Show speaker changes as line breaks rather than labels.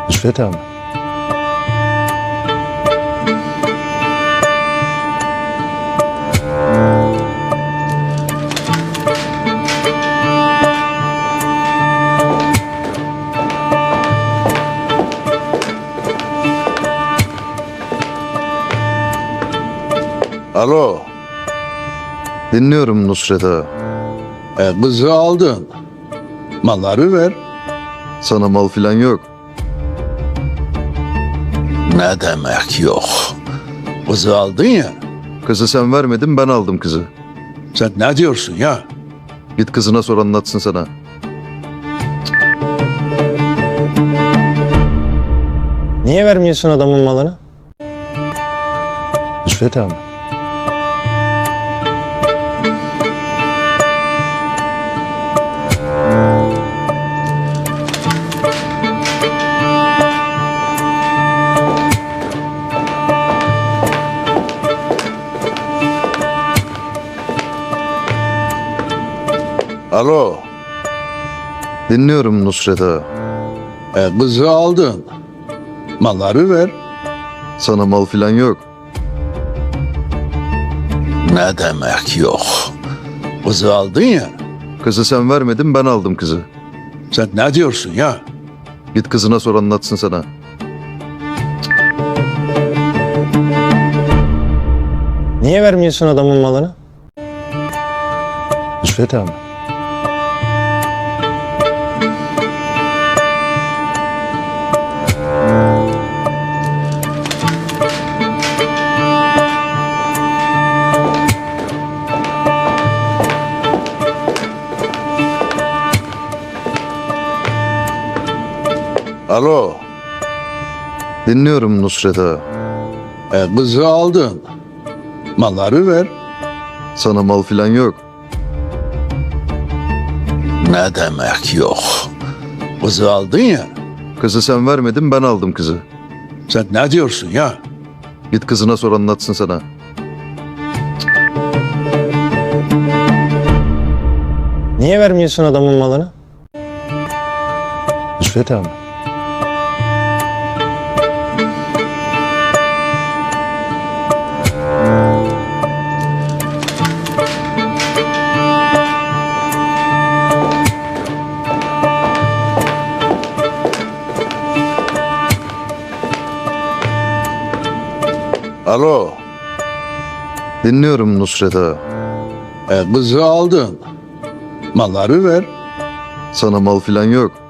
Nusret abi.
Alo,
Dinliyorum Nusret ağa.
kızı aldın. Malları ver.
Sana mal filan yok.
Ne demek yok? Kızı aldın ya.
Kızı sen vermedin, ben aldım kızı.
Sen ne diyorsun ya?
Git kızına sor, anlatsın sana.
Niye vermiyorsun adamın malını?
Nusret abi.
Alo,
Dinliyorum Nusret ağa.
kızı aldın. Malları ver.
Sana mal filan yok.
Ne demek yok? Kızı aldın ya.
Kızı sen vermedin, ben aldım kızı.
Sen ne diyorsun ya?
Git kızına sor, anlatsın sana.
Niye vermiyorsun adamın malını?
Nusret abi.
Alo,
Dinliyorum Nusret ağa.
kızı aldın. Malları ver.
Sana mal filan yok.
Ne demek yok? Kızı aldın ya.
Kızı sen vermedin, ben aldım kızı.
Sen ne diyorsun ya?
Git kızına sor, anlatsın sana.
Niye vermiyorsun adamın malını?
Nusret abi.
Alo,
Dinliyorum Nusret ağa.
kızı aldın. Malları ver.
Sana mal filan yok.